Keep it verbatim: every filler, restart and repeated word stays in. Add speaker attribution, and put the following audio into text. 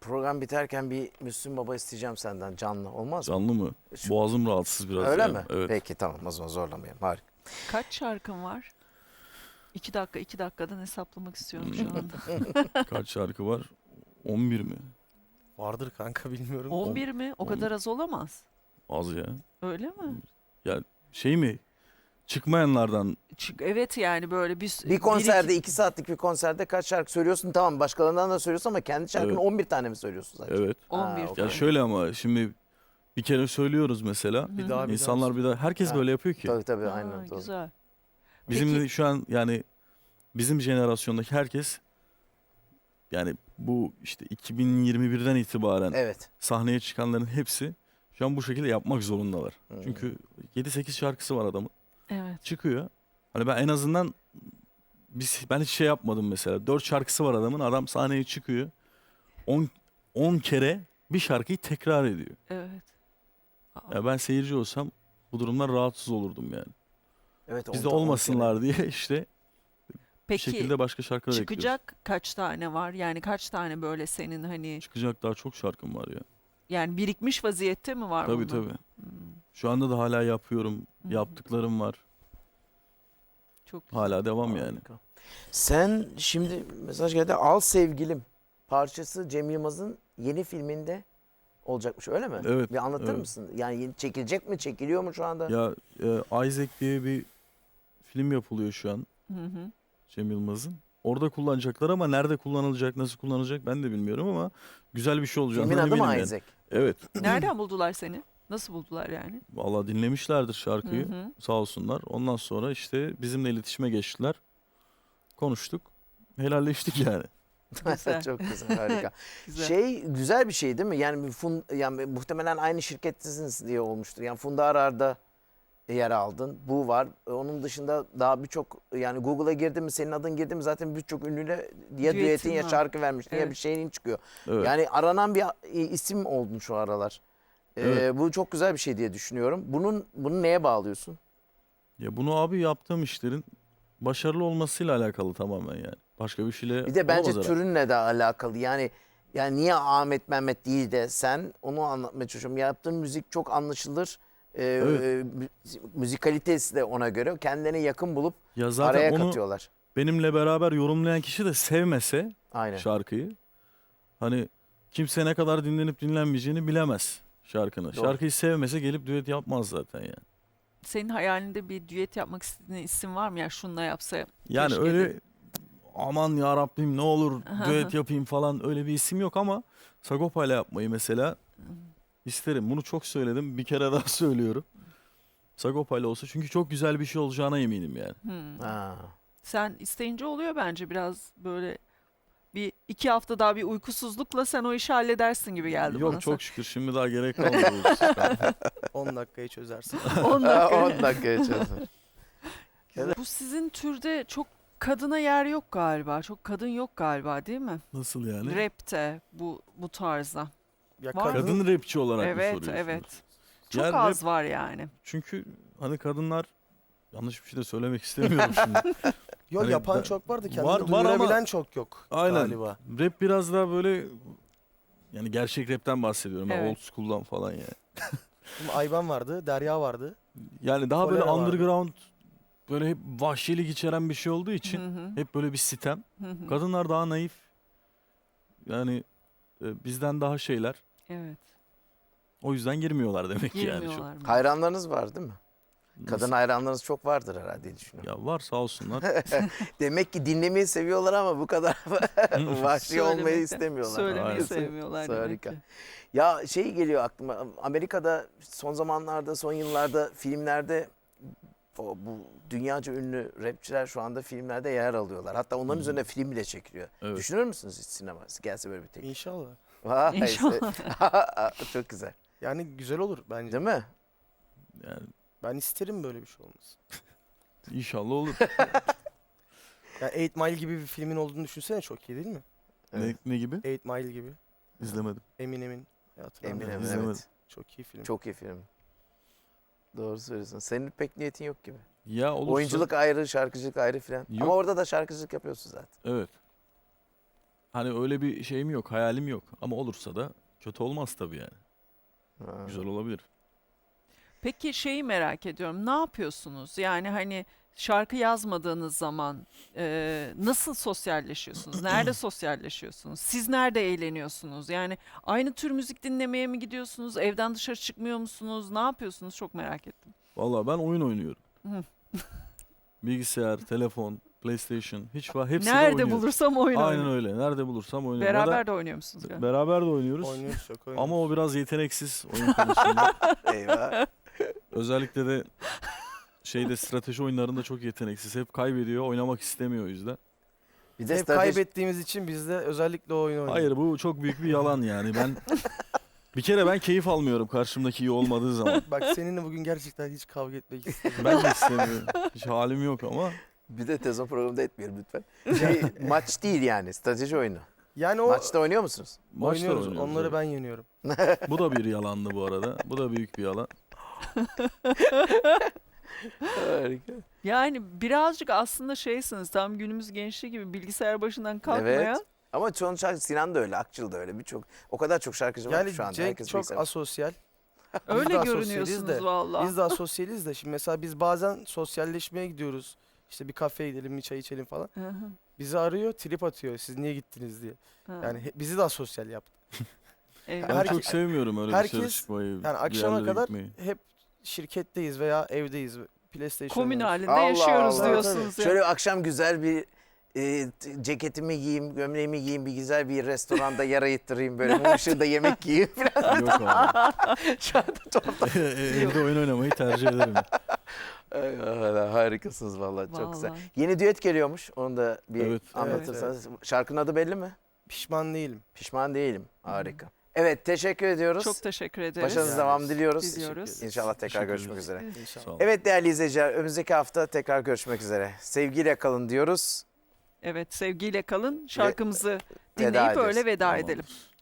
Speaker 1: program biterken bir Müslüm Baba isteyeceğim senden canlı. Olmaz mı?
Speaker 2: Canlı mı?
Speaker 1: Şu-
Speaker 2: Boğazım rahatsız biraz.
Speaker 1: Öyle
Speaker 2: ya.
Speaker 1: mi?
Speaker 2: Evet.
Speaker 1: Peki tamam, o zaman zorlamayalım. Harika.
Speaker 3: Kaç şarkın var? İki dakika, iki dakikadan hesaplamak istiyorum şu anda.
Speaker 2: Kaç şarkı var? on bir mi?
Speaker 4: Vardır kanka, bilmiyorum.
Speaker 3: on bir mi? O
Speaker 2: on-
Speaker 3: kadar az olamaz.
Speaker 2: Az ya.
Speaker 3: Öyle mi?
Speaker 2: Şey mi? Çıkmayanlardan
Speaker 3: Çünkü evet yani böyle bir...
Speaker 1: Bir konserde,
Speaker 3: iki-
Speaker 1: iki saatlik bir konserde kaç şarkı söylüyorsun? Tamam, başkalarından da söylüyorsun ama kendi şarkını
Speaker 2: Evet.
Speaker 1: on bir tane mi söylüyorsun zaten?
Speaker 2: evet.
Speaker 3: on bir
Speaker 1: Ha,
Speaker 2: Ya
Speaker 1: okey.
Speaker 2: şöyle ama şimdi bir kere söylüyoruz mesela.
Speaker 4: Bir daha bir
Speaker 2: İnsanlar bir daha herkes
Speaker 1: Ha.
Speaker 2: böyle yapıyor ki.
Speaker 1: Tabii tabii,
Speaker 3: Ha,
Speaker 1: aynen. Doğru.
Speaker 3: güzel.
Speaker 2: Bizim
Speaker 3: Peki-
Speaker 2: de şu an yani bizim jenerasyondaki herkes yani bu işte iki bin yirmi birden itibaren
Speaker 1: Evet.
Speaker 2: sahneye çıkanların hepsi şu an bu şekilde yapmak zorundalar.
Speaker 1: Hmm.
Speaker 2: Çünkü yedi sekiz şarkısı var adamın.
Speaker 3: Evet.
Speaker 2: Çıkıyor. Hani ben en azından biz ben hiç şey yapmadım mesela. Dört şarkısı var adamın. Adam sahneye çıkıyor. on on kere bir şarkıyı tekrar ediyor.
Speaker 3: Evet. Aa,
Speaker 2: Ya ben seyirci olsam bu durumdan rahatsız olurdum yani.
Speaker 1: Evet,
Speaker 2: Bizde
Speaker 1: on- on
Speaker 2: olmasınlar diye işte bir
Speaker 3: Peki
Speaker 2: şekilde başka şarkılar ekliyoruz.
Speaker 3: çıkacak kaç tane var? Yani kaç tane böyle senin hani
Speaker 2: Çıkacak daha çok şarkım var ya.
Speaker 3: yani birikmiş vaziyette mi var
Speaker 2: Tabii
Speaker 3: bunlar?
Speaker 2: tabii.
Speaker 3: Hmm,
Speaker 2: Şu anda da hala yapıyorum.
Speaker 3: Hı hı.
Speaker 2: Yaptıklarım var.
Speaker 3: çok güzel.
Speaker 2: Hala devam yani.
Speaker 1: Harika. Sen şimdi mesaj geldi. Al Sevgilim parçası Cem Yılmaz'ın yeni filminde olacakmış, öyle mi?
Speaker 2: Evet,
Speaker 1: Bir anlatır
Speaker 2: evet.
Speaker 1: mısın? Yani yeni- çekilecek mi? Çekiliyor mu şu anda?
Speaker 2: Ya e, Isaac diye bir film yapılıyor şu an
Speaker 3: Hı hı.
Speaker 2: Cem Yılmaz'ın. Orada kullanacaklar ama nerede kullanılacak, nasıl kullanılacak ben de bilmiyorum ama güzel bir şey olacağından
Speaker 1: Filmin adı
Speaker 2: eminim
Speaker 1: mı
Speaker 2: yani.
Speaker 1: Isaac?
Speaker 2: Evet.
Speaker 3: Nereden buldular seni? Nasıl buldular yani?
Speaker 2: Vallahi dinlemişlerdir şarkıyı.
Speaker 3: Hı hı.
Speaker 2: Sağ olsunlar. Ondan sonra işte bizimle iletişime geçtiler. Konuştuk. Helalleştik yani.
Speaker 3: Güzel.
Speaker 1: Çok güzel, harika.
Speaker 3: Güzel.
Speaker 1: Şey güzel bir şey değil mi? Yani bir fun, yani muhtemelen aynı şirkettesiniz diye olmuştur. Yani Funda Arar'da yer aldın. Bu var. Onun dışında daha birçok, yani Google'a girdin mi, senin adın girdi mi zaten birçok ünlüyle ya
Speaker 3: Düetin
Speaker 1: düetin ya
Speaker 3: var.
Speaker 1: şarkı vermiştin ya
Speaker 3: Evet.
Speaker 1: bir şeyin çıkıyor.
Speaker 2: Evet.
Speaker 1: Yani aranan bir isim oldun şu aralar. Ee,
Speaker 2: Evet.
Speaker 1: Bu çok güzel bir şey diye düşünüyorum. Bunun bunu neye bağlıyorsun?
Speaker 2: Ya bunu abi yaptığım işlerin başarılı olmasıyla alakalı tamamen yani. Başka bir şeyle
Speaker 1: Bir de bence
Speaker 2: olamaz herhalde.
Speaker 1: türünle de alakalı. Yani yani niye Ahmet Mehmet değil de sen, onu anlatmaya çalışıyorum. Yaptığın müzik çok anlaşılır. Ee,
Speaker 2: Evet.
Speaker 1: e, mü- müzikalitesi de ona göre kendine yakın bulup
Speaker 2: Ya zaten
Speaker 1: araya
Speaker 2: onu
Speaker 1: katıyorlar.
Speaker 2: benimle beraber yorumlayan kişi de sevmese
Speaker 1: Aynen.
Speaker 2: şarkıyı hani kimse ne kadar dinlenip dinlenmeyeceğini bilemez şarkını.
Speaker 1: Doğru.
Speaker 2: Şarkıyı sevmese gelip düet yapmaz zaten yani.
Speaker 3: Senin hayalinde bir düet yapmak istediğin isim var mı? Ya şununla yapsa
Speaker 2: Yani
Speaker 3: keşke
Speaker 2: öyle
Speaker 3: de-
Speaker 2: aman ya Rabbim ne olur
Speaker 3: Aha.
Speaker 2: düet yapayım falan öyle bir isim yok ama Sagopa ile yapmayı mesela isterim. Bunu çok söyledim. Bir kere daha söylüyorum. Sagopa ile olsa çünkü çok güzel bir şey olacağına eminim yani.
Speaker 3: Hmm.
Speaker 1: Ha.
Speaker 3: Sen isteyince oluyor bence biraz böyle bir iki hafta daha bir uykusuzlukla sen o işi halledersin gibi geldi
Speaker 2: Yok
Speaker 3: bana.
Speaker 2: çok şükür şimdi daha gerek kalmadı. bu işe.
Speaker 4: on dakikayı çözersin.
Speaker 3: on dakika.
Speaker 1: on dakika geçiyorsun.
Speaker 3: Bu sizin türde çok kadına yer yok galiba. Çok kadın yok galiba değil mi?
Speaker 2: Nasıl yani?
Speaker 3: Rap'te bu bu tarzda.
Speaker 4: Ya
Speaker 3: Var mı?
Speaker 2: Kadın rapçi olarak mı
Speaker 3: Evet,
Speaker 2: soruyorsunuz?
Speaker 3: evet. Çok
Speaker 2: Yani
Speaker 3: az
Speaker 2: rap-
Speaker 3: var yani.
Speaker 2: Çünkü hani kadınlar yanlış bir şey de söylemek istemiyorum şimdi.
Speaker 4: Yo,
Speaker 2: Hani
Speaker 4: yapan
Speaker 2: ben-
Speaker 4: çok vardı. Kendini
Speaker 2: Var- var ama-
Speaker 4: duyurabilen çok yok
Speaker 2: Aynen.
Speaker 4: galiba.
Speaker 2: Rap biraz daha böyle yani gerçek rapten bahsediyorum. Ben
Speaker 3: Evet.
Speaker 2: old school'dan falan yani.
Speaker 4: Şimdi Ayban vardı, Derya vardı.
Speaker 2: Yani daha böyle
Speaker 4: Kolera vardı.
Speaker 2: underground böyle hep vahşilik içeren bir şey olduğu için
Speaker 3: Hı hı,
Speaker 2: hep böyle bir sitem.
Speaker 3: hı hı.
Speaker 2: Kadınlar daha naif. Yani e, bizden daha şeyler.
Speaker 3: Evet.
Speaker 2: O yüzden girmiyorlar demek ki yani çok.
Speaker 3: Girmiyorlar mı?
Speaker 1: Hayranlarınız var değil mi? Kadın
Speaker 2: Nasıl?
Speaker 1: hayranlarınız çok vardır herhalde diye düşünüyorum.
Speaker 2: Ya var sağ olsunlar.
Speaker 1: Demek ki dinlemeyi seviyorlar ama bu kadar vahşi olmayı
Speaker 3: Söylemekten-
Speaker 1: istemiyorlar.
Speaker 3: Söylemeyi
Speaker 2: Aynen.
Speaker 3: sevmiyorlar demek
Speaker 1: Harika.
Speaker 3: ki.
Speaker 1: Ya şey geliyor aklıma. Amerika'da son zamanlarda, son yıllarda filmlerde o, bu dünyaca ünlü rapçiler şu anda filmlerde yer alıyorlar. Hatta onların
Speaker 2: Hı.
Speaker 1: üzerine film bile çekiliyor.
Speaker 2: Evet.
Speaker 1: Düşünür müsünüz hiç sinema? Gelse böyle bir teklif.
Speaker 4: İnşallah.
Speaker 1: Vay,
Speaker 3: İnşallah.
Speaker 1: çok güzel.
Speaker 4: Yani güzel olur bence.
Speaker 1: Değil mi?
Speaker 2: Yani
Speaker 4: Ben isterim böyle bir şey olmasın.
Speaker 2: inşallah olur.
Speaker 4: Ya Eight Mile gibi bir filmin olduğunu düşünsene, çok iyi değil mi?
Speaker 1: Evet.
Speaker 2: ne, ne gibi?
Speaker 4: Eight Mile gibi.
Speaker 2: İzlemedim.
Speaker 4: Eminem'in hayatını
Speaker 1: Eminem,
Speaker 4: anlatan.
Speaker 2: İzlemedim.
Speaker 1: evet.
Speaker 4: Çok iyi film.
Speaker 1: Çok iyi film. Doğru söylüyorsun. Senin pek niyetin yok gibi.
Speaker 2: Ya olursa.
Speaker 1: Oyunculuk ayrı, şarkıcılık ayrı filan.
Speaker 2: Yok.
Speaker 1: Ama orada da şarkıcılık yapıyorsun zaten.
Speaker 2: Evet. Hani öyle bir şeyim yok, hayalim yok. Ama olursa da kötü olmaz tabii yani.
Speaker 1: Ha.
Speaker 2: Güzel olabilir.
Speaker 3: Peki şeyi merak ediyorum. Ne yapıyorsunuz? Yani hani şarkı yazmadığınız zaman e, nasıl sosyalleşiyorsunuz? Nerede sosyalleşiyorsunuz? Siz nerede eğleniyorsunuz? Yani aynı tür müzik dinlemeye mi gidiyorsunuz? Evden dışarı çıkmıyor musunuz? Ne yapıyorsunuz? Çok merak ettim.
Speaker 2: Vallahi ben oyun oynuyorum.
Speaker 3: Hı.
Speaker 2: Bilgisayar, telefon, PlayStation hiç var. Hepsini
Speaker 3: Nerede
Speaker 2: oynuyorum.
Speaker 3: bulursam oyun
Speaker 2: Aynen
Speaker 3: oynuyorum.
Speaker 2: öyle. Nerede bulursam oynuyorum. Ya
Speaker 3: Beraber
Speaker 2: da
Speaker 3: de oynuyor musunuz? galiba?
Speaker 2: beraber de oynuyoruz.
Speaker 4: Oynuyoruz çok oynuyoruz.
Speaker 2: Ama o biraz yeteneksiz oyun konusunda.
Speaker 1: Eyvah.
Speaker 2: Özellikle de şeyde strateji oyunlarında çok yeteneksiz. Hep kaybediyor, oynamak istemiyor o yüzden.
Speaker 1: Bir de
Speaker 4: Hep
Speaker 1: strateji-
Speaker 4: kaybettiğimiz için biz de özellikle o oyunu oynuyoruz.
Speaker 2: Hayır bu çok büyük bir yalan yani. Ben bir kere ben keyif almıyorum karşımdaki iyi olmadığı zaman.
Speaker 4: Bak seninle bugün gerçekten hiç kavga etmek istemiyorum.
Speaker 2: Ben de istemiyorum. Hiç halim yok ama.
Speaker 1: Bir de televizyon programında etmeyelim lütfen. Şey, maç değil yani, strateji oyunu.
Speaker 4: Yani o
Speaker 1: Maçta oynuyor musunuz?
Speaker 2: Maçta
Speaker 4: oynuyoruz.
Speaker 2: oynuyoruz,
Speaker 4: Onları
Speaker 2: evet.
Speaker 4: ben yeniyorum.
Speaker 2: Bu da bir yalandı bu arada. Bu da büyük bir yalan.
Speaker 1: Harika.
Speaker 3: Yani birazcık aslında şeysiniz, tam günümüz gençliği gibi bilgisayar başından kalkmayan.
Speaker 1: Evet. Ama çoğun şarkı, Sinan da öyle, Akçıl da öyle. Birçok, o kadar çok şarkıcı var
Speaker 4: Yani
Speaker 1: ki şu anda.
Speaker 4: Cenk
Speaker 1: Herkes
Speaker 4: çok
Speaker 1: bilgisayar-
Speaker 4: asosyal. Biz
Speaker 3: Öyle
Speaker 4: de asosyaliz
Speaker 3: görünüyorsunuz
Speaker 4: de.
Speaker 3: valla.
Speaker 4: Biz de asosyaliz de. Şimdi mesela biz bazen sosyalleşmeye gidiyoruz. İşte bir kafeye gidelim, bir çay içelim falan.
Speaker 3: Hı hı,
Speaker 4: Bizi arıyor, trip atıyor. Siz niye gittiniz diye.
Speaker 3: hı.
Speaker 4: Yani he- bizi de asosyal yaptı.
Speaker 3: Eyvah.
Speaker 2: Ben
Speaker 4: Herkes-
Speaker 2: çok sevmiyorum öyle
Speaker 4: herkes-
Speaker 2: dışarı çıkmayı.
Speaker 4: Yani
Speaker 2: bir
Speaker 4: akşama
Speaker 2: yerlere
Speaker 4: kadar
Speaker 2: gitmeyi.
Speaker 4: hep şirketteyiz veya evdeyiz. PlayStation
Speaker 3: Komün
Speaker 4: oynuyoruz.
Speaker 3: halinde
Speaker 1: Allah
Speaker 3: yaşıyoruz
Speaker 1: Allah.
Speaker 3: diyorsunuz ya.
Speaker 1: Şöyle akşam güzel bir e, t- ceketimi giyeyim, gömleğimi giyeyim, bir güzel bir restoranda yer ayıttırayım, böyle mum ışığında yemek yiyeyim.
Speaker 2: Yok abi.
Speaker 1: Şu anda tuhaf.
Speaker 2: Evde oyun oynamayı tercih ederim.
Speaker 1: Ay, vallahi harikasınız vallahi, çok güzel.
Speaker 3: Vallahi.
Speaker 1: Yeni düet geliyormuş, onu da bir
Speaker 2: Evet.
Speaker 1: anlatırsanız. Şarkının adı belli mi?
Speaker 4: Pişman değilim.
Speaker 1: Pişman değilim. Harika. Evet, teşekkür ediyoruz.
Speaker 3: Çok teşekkür ederiz.
Speaker 1: Başarınız
Speaker 4: Yani
Speaker 1: devam diliyoruz.
Speaker 3: diliyoruz.
Speaker 1: İnşallah tekrar
Speaker 2: Teşekkür
Speaker 1: görüşmek
Speaker 2: ederiz.
Speaker 1: üzere.
Speaker 4: İnşallah.
Speaker 2: Sağ olun.
Speaker 1: Evet değerli izleyiciler, önümüzdeki hafta tekrar görüşmek üzere. Sevgiyle kalın diyoruz.
Speaker 3: Evet, sevgiyle kalın. Şarkımızı
Speaker 1: veda
Speaker 3: dinleyip
Speaker 1: ediyoruz.
Speaker 3: öyle veda
Speaker 2: Tamam.
Speaker 3: edelim.